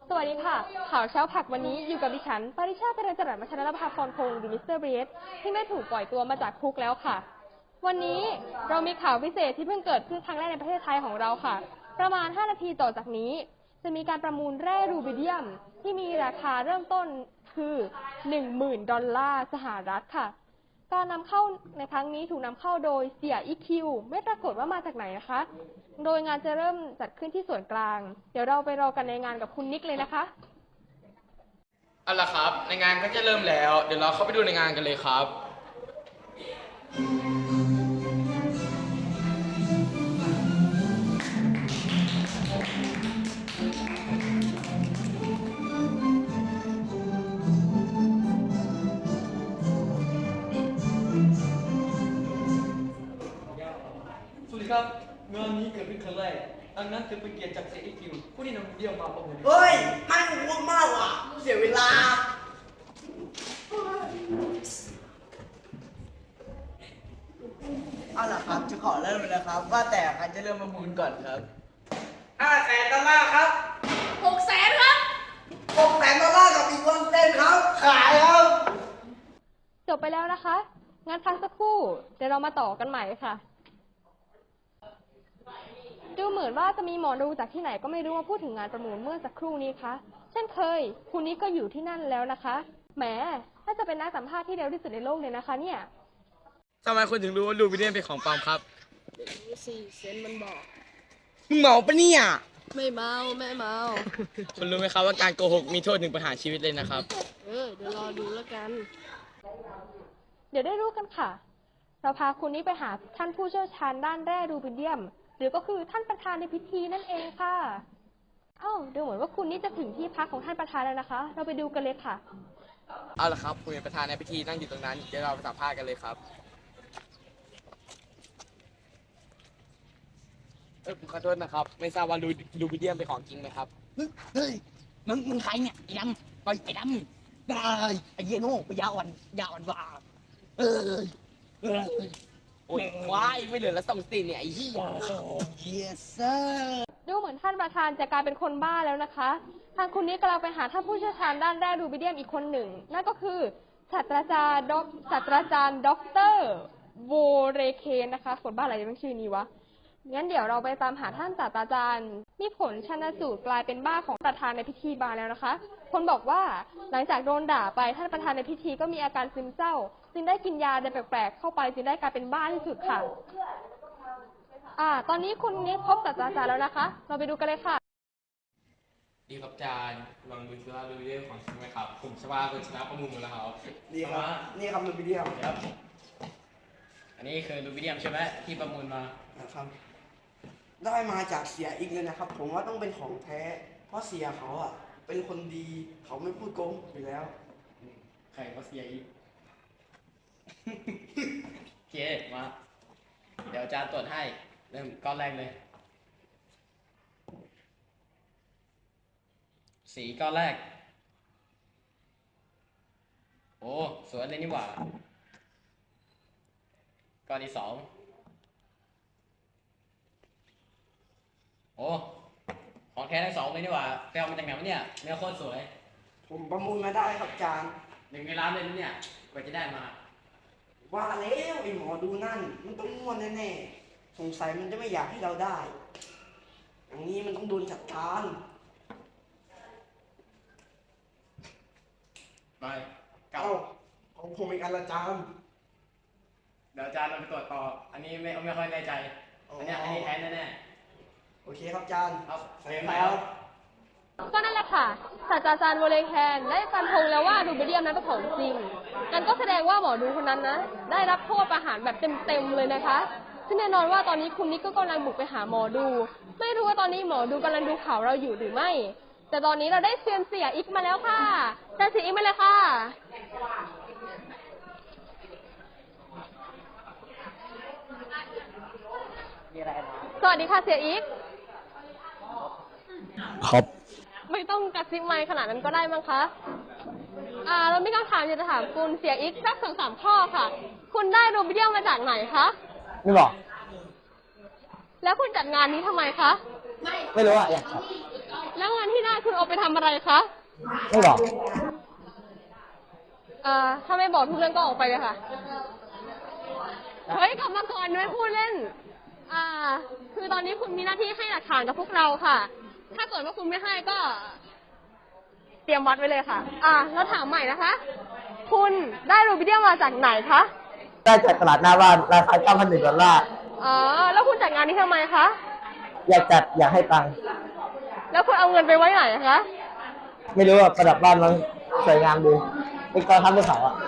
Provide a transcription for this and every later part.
สวัสดีค่ะข่าวเช้าผักวันนี้อยู่กับดิฉันปริชาติ เจริญจรัส มัชรนภาพรพงศ์หรือมิสเตอร์เบรสที่ได้ถูกปล่อยตัวมาจากคุกแล้วค่ะ วันนี้เรามีข่าวพิเศษที่เพิ่งเกิดขึ้นครั้งแรกในประเทศไทยของเราค่ะ ประมาณ 5 นาทีต่อจากนี้ จะมีการประมูลแร่รูบิเดียมที่มีราคาเริ่มต้นคือ 10,000 ดอลลาร์สหรัฐค่ะการนำเข้าในครั้งนี้ถูกนำเข้าโดยเสี่ยอีคิวไม่ปรากฏว่ามาจากไหนนะคะ โดยงานจะเริ่มจัดขึ้นที่ส่วนกลาง เดี๋ยวเราไปรอกันในงานกับคุณนิกเลยนะคะเอาล่ะครับในงานก็จะเริ่มแล้วเดี๋ยวเราเข้าไปดูในงานกันเลยครับสวัสดีครับงานนี้เกิดขึ้นครั้งแรกดังนั้นถือเป็นเกียรติจากเสียอีคิวผู้ที่นำเดี่ยวมาประมูลเฮ้ยไม่ง่วงมากว่ะเสียเวลาเอาล่ะครับจะขอเริ่มเลยนะครับ ว่าแต่ใครจะเริ่มประมูลก่อนครับ500,000 ดอลลาร์ครับ600,000 ครับ600,000 ดอลลาร์กับอีก100,000ครับขายครับจบไปแล้วนะคะ งั้นพักสักครู่ เดี๋ยวเรามาต่อกันใหม่ค่ะ ดูเหมือนว่าจะมีหมอดูจากที่ไหนก็ไม่รู้มาพูดถึงงานประมูลเมื่อสักครู่นี้คะเช่นเคย คุณนี้ก็อยู่ที่นั่นแล้วนะคะ แหมถ้าจะเป็นนักสัมภาษณ์ที่เร็วที่สุดในโลกเลยนะคะเนี่ยทำไมคุณถึงรู้ว่ารูบิเดียมเป็นของปลอมครับรู้สิเซนมันบอกมึงเมาปะเนี่ยไม่เมาไม่เมาคุณรู้ไหมครับว่าการโกหกมีโทษถึงประหารชีวิตเลยนะครับเดี๋ยวรอดูแล้วกันเดี๋ยวได้รู้กันค่ะ เราพาคุณนี้ไปหาท่านผู้เชี่ยวชาญด้านแร่รูบิเดียม หรือก็คือท่านประธานในพิธีนั่นเองค่ะดูเหมือนว่าคุณนี่จะถึงที่พักของท่านประธานแล้วนะคะ เราไปดูกันเลยค่ะเอาล่ะครับคุณเป็นประธานในพิธีนั่งอยู่ตรงนั้นเดี๋ยวเราไปสัมภาษณ์กันเลยครับผมขอโทษนะครับไม่ทราบว่ารูบิเดียมเป็นของจริงไหมครับเฮ้ยมึงใครเนี่ยไอ้ดำไปไอ้ดำได้ไอ้เหี้ยโง่ไปยาอ่อนว่าเออโอ้ยว้ายไม่เหลือแล้วส่งสติเนี่ยไอ้เหี้ย yes sir ดูเหมือนท่านประธานจะกลายเป็นคนบ้าแล้วนะคะ ทางคุณนี้กำลังไปหาท่านผู้เชี่ยวชาญด้านแร่รูบิเดียมอีกคนหนึ่ง นั่นก็คือศาสตราจารย์ด็อกเตอร์โวเรเคนนะคะ คนบ้าอะไรจะเป็นชื่อนี้วะ งั้นเดี๋ยวเราไปตามหาท่านศาสตราจารย์มีผลชันสูตรกลายเป็นบ้าของประธานในพิธีบาแล้วนะคะ คนบอกว่าหลังจากโดนด่าไปท่านประธานในพิธีก็มีอาการซึมเศร้า จึงได้กินยาอะไรแปลกๆเข้าไปจึงได้กลายเป็นบ้าที่สุดค่ะ ตอนนี้คุณนี้พบศาสตราจารย์แล้วนะคะ เราไปดูกันเลยค่ะดีครับอาจารย์ลองดูซิว่ารูบิเดียมของจริงไหมครับผมชว่าคุณชนะประมูลหมดแล้วครับดีครับ นี่ครับรูบิเดียมครับอันนี้คือรูบิเดียมใช่ไหมที่ประมูลมานะครับ ได้มาจากเสียอีกเลยนะครับ ผมว่าต้องเป็นของแท้ เพราะเสียเขาอ่ะ เป็นคนดี เขาไม่พูดโกงอยู่แล้วใครก็เสียอีก โอเคมา เดี๋ยวอาจารย์ตรวจให้ เริ่มก้อนแรกเลย สีก้อนแรก โอ้สวยเลยนี่หว่า ก้อนที่สอง โอ้ของแท้ทั้งสองเลยนี่หว่าไปเอามาจากไหนวะเนี่ยเนื้อโคตรสวยผมประมูลมาได้ครับอาจารย์ 1 ในล้านเลยนะเนี่ยกว่าจะได้มาว่าแล้วไอ้หมอดูนั่น มันต้องง่วนแน่ๆ สงสัยมันจะไม่อยากให้เราได้ อย่างนี้มันต้องโดนจัดการไปกลับเอ้าของผมอีกอันละอาจารย์เดี๋ยวอาจารย์เราไปตรวจต่อ อันนี้ไม่ค่อยแน่ใจ อันนี้แท้แน่โอเคครับอาจารย์ๆครับใส่แล้วก็นั่นแหละค่ะศาสตราจารย์โวเลแคนได้ฟันธงแล้วว่ารูบิเดียมนั้นเป็นของจริงกันก็แสดงว่าหมอดูคนนั้นนะได้รับโทษประหารแบบเต็มๆเลยนะคะ ซึ่งแน่นอนว่าตอนนี้คุณนิกก็กำลังบุกไปหาหมอดู ไม่รู้ว่าตอนนี้หมอดูกำลังดูข่าวเราอยู่หรือไม่ แต่ตอนนี้เราได้เซียนเสียอีกมาแล้วค่ะเซียนเสียอีกมาเลยค่ะ สวัสดีค่ะเสียอีกครับไม่ต้องกระซิบไมค์ขนาดนั้นก็ได้มั้งคะ เราไม่ต้องถามอยากจะถามคุณเสียอีกสัก2-3 ข้อค่ะ คุณได้รูบิเดียมมาจากไหนคะไม่บอกแล้วคุณจัดงานนี้ทำไมคะไม่รู้อ่ะอยากครับแล้วเงินที่ได้คุณเอาไปทำอะไรคะไม่บอกถ้าไม่บอกทุกเรื่องก็ออกไปเลยค่ะ เฮ้ยกลับมาก่อนไม่พูดเล่น คือตอนนี้คุณมีหน้าที่ให้หลักฐานกับพวกเราค่ะ ถ้าเกิดว่าคุณไม่ให้ก็ เตรียมวัดไว้เลยค่ะ แล้วถามใหม่นะคะ คุณได้รูบิเดียมมาจากไหนคะได้จากตลาดหน้าบ้านราคา$9,100 แล้วคุณจัดงานนี้ทำไมคะอยากจัดอยากให้ตังค์แล้วคุณเอาเงินไปไว้ไหนคะไม่รู้ว่าประดับบ้านมันสวยงามดีเป็นกองทัพภูเขาอ่ะ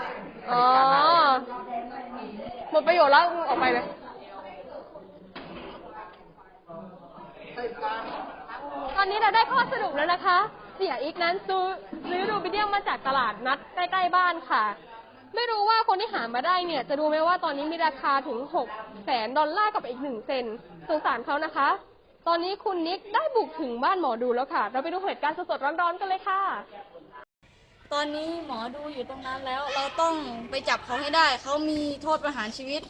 หมดประโยชน์แล้วออกไปเลย ตอนนี้เราได้ข้อสรุปแล้วนะคะ เสียอีกนั้นซื้อรูบิเดียมมาจากตลาดนัดใกล้ๆบ้านค่ะ ไม่รู้ว่าคนที่หามาได้เนี่ยจะดูไหมว่าตอนนี้มีราคาถึง$600,000กับอีก1 เซนสงสารเขานะคะ ตอนนี้คุณนิกได้บุกถึงบ้านหมอดูแล้วค่ะ เราไปดูเหตุการณ์สดๆร้อนๆกันเลยค่ะตอนนี้หมอดูอยู่ตรงนั้นแล้ว เราต้องไปจับเขาให้ได้ เขามีโทษประหารชีวิต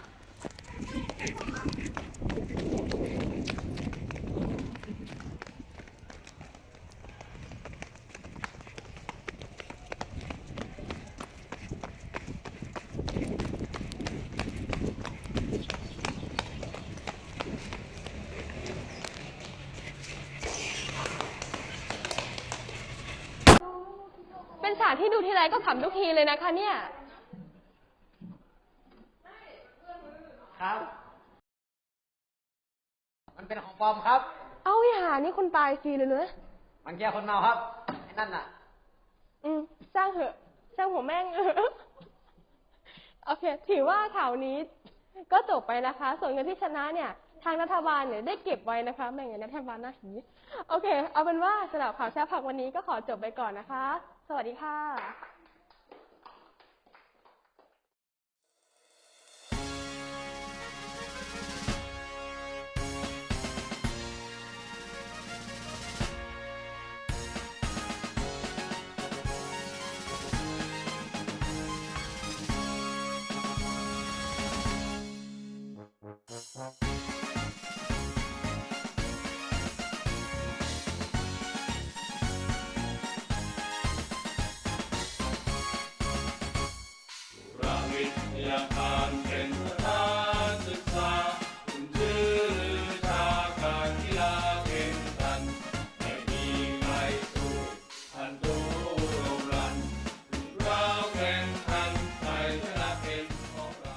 เป็นฉากที่ดูทีไรก็ขำทุกทีเลยนะคะเนี่ยครับ มันเป็นของปลอมครับเอาอย่านี่คนตายฟรีเลยเนอะมันแค่คนเมาครับไอ้นั่นน่ะสร้างเหอะสร้างหัวแม่ง โอเค ถือว่าข่าวนี้ก็จบไปนะคะ ส่วนเงินที่ชนะเนี่ย ทางรัฐบาลเนี่ยได้เก็บไว้นะคะแบ่งเงินรัฐบาลหน้าหีโอเค เอาเป็นว่าสำหรับข่าวเช้าผักวันนี้ก็ขอจบไปก่อนนะคะ สวัสดีค่ะประวิทยาการเป็นสถานศึกษาคุณชื่อชาการกีฬาแข่งขันไม่มีใครสู้ทันตูโรงรันเราแข่งขันใครชนะเป็นของเรา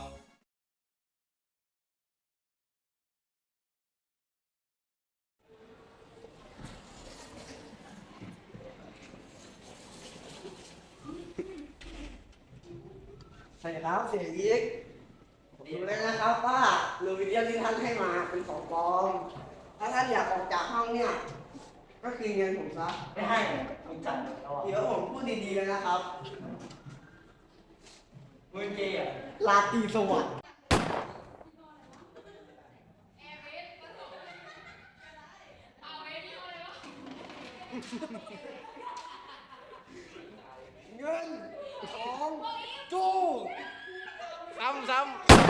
สวัสดีครับเสียยิกผมรู้แล้วนะครับว่ารูบิเดียมที่ท่านให้มาเป็นของปลอม ถ้าท่านอยากออกจากห้องเนี่ย ก็คืนเงินผมซะไม่ให้มึงจัดเดี๋ยวผมพูดดีๆเลยนะครับมึงเกย์อ่ะลาตรีสวัสดิ์เงินทองจู้ซ้ำ